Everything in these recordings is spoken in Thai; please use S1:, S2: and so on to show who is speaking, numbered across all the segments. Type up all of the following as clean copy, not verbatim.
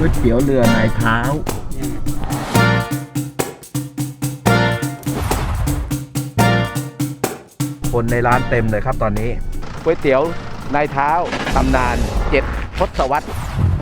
S1: ก๋วยเตี๋ยวเรือนายเท้าคนในร้านเต็มเลยครับตอนนี้ก๋วยเตี๋ยวนายเท้าตำนาน7 ทศวรรษ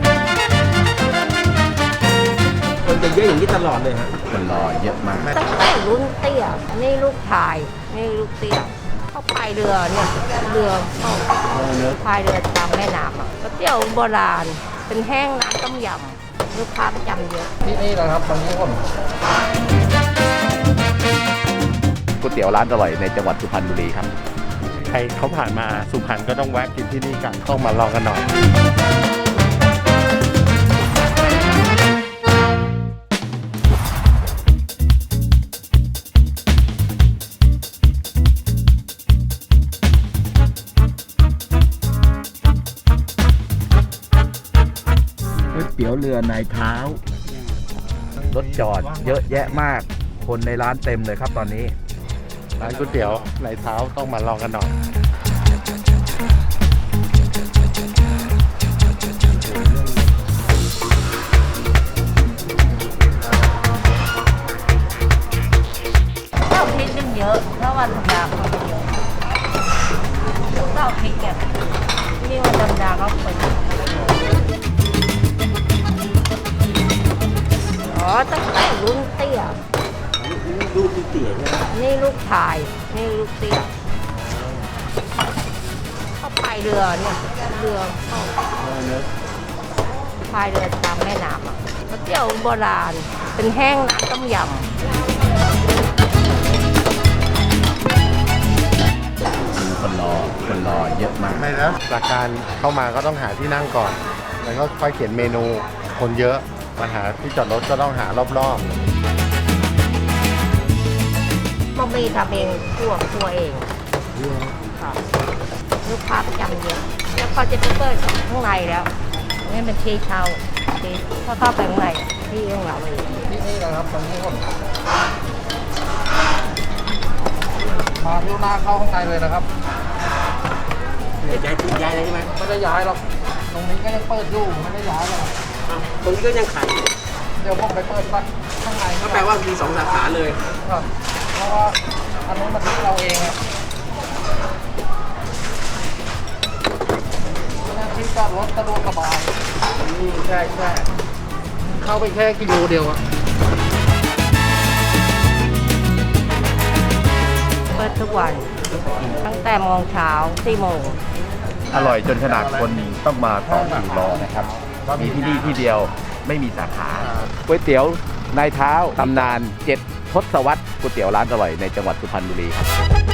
S2: คนจะเยอะอย่างนี้ตลอดเลยฮะ
S1: คนรอเยอะมาก
S3: ตั้งแต่รุ่นเตี้ยนี่ลูกชายนี่ลูกเตี้ยเขาพายเรือเนี่ยเรือเขาพายเรือตามแม่น้ำอ่ะก๋วยเตี๋ยวโบราณเป็นแห้งน้ำต้มยำลูกค้าประจำเยอะ
S2: ที่นี่นะครับตรงนี้ผม
S1: ก๋วยเตี๋ยวร้านอร่อยในจังหวัดสุพรรณบุรีครับ
S4: ใครเขาผ่านมาสุพรรณก็ต้องแวะกินที่นี่กันต้องมาลองกันหน่อย
S1: ก๋วยเตี๋ยวเรือนายเท้ารถจอดเยอะแยะมากคนในร้านเต็มเลยครับตอนนี้
S4: ร้านก๋วยเตี๋ยวในเท้าต้องมาลองกันหน่อย
S3: เต้าพริกนึงเยอะเพราะวันธรรมดาคนเยอะเต้าพริกเนี่ยนี่วันธรรมดาก็คนอ๋อตั้งแต่รุ่นเตี้ย
S2: ลูกเตี๋ยใช่ไหม
S3: นี่ลูกชายนี่ลูกเตี้ยเขาพายเรือเนี่ยเรือเขาพายเรือตามแม่น้ำอ่ะก๋วยเตี๋ยวโบราณเป็นแห้งน้ำต้มยำ
S1: คนรอเยอะมาก
S4: ไม่นะหลักการเข้ามาก็ต้องหาที่นั่งก่อนแล้วก็ค่อยเขียนเมนูคนเยอะมาหาที่จอดรถก็ต้องหารอบ
S3: บะหมี่ทำเองคั่วเองค่ะลูกค้าประจำเยอะแล้วก็จะไปเปิดข้างในแล้วนี่เป็นที่เช่าที่เข้าไปข้างในที่ของเราเอง
S2: ที่นี่นะครับตรงนี้ผมมาเที่ยวหน้าเข้าข้างในเลยนะครับย้ายเลยใช่ไหมไม่ได้ย้ายหรอกตรงนี้ก็ยังเปิดอยู่ไม่ได้ย้ายหรอกตรงนี้ก็ยังขายเดี๋ยวผมไปเปิดข้างในก็แปลว่ามี2 สาขาเลยครับเพราะว่าอันนู้นมันที่เราเองครับที่จอดรถสะดวกสบายใช่เข้าไปแค่กิโลเดียวอะ
S3: เปิดทุกวันตั้งแต่โมงเช้า4 โมง
S1: อร่อยจนขนาดคนต้องมาต่อคิวรอนะครับมีที่นี่ที่เดียวไม่มีสาขาก๋วยเตี๋ยวนายเท้าตำนาน7 ทศวรรษก๋วยเตี๋ยวร้านอร่อยในจังหวัดสุพรรณบุรีครับ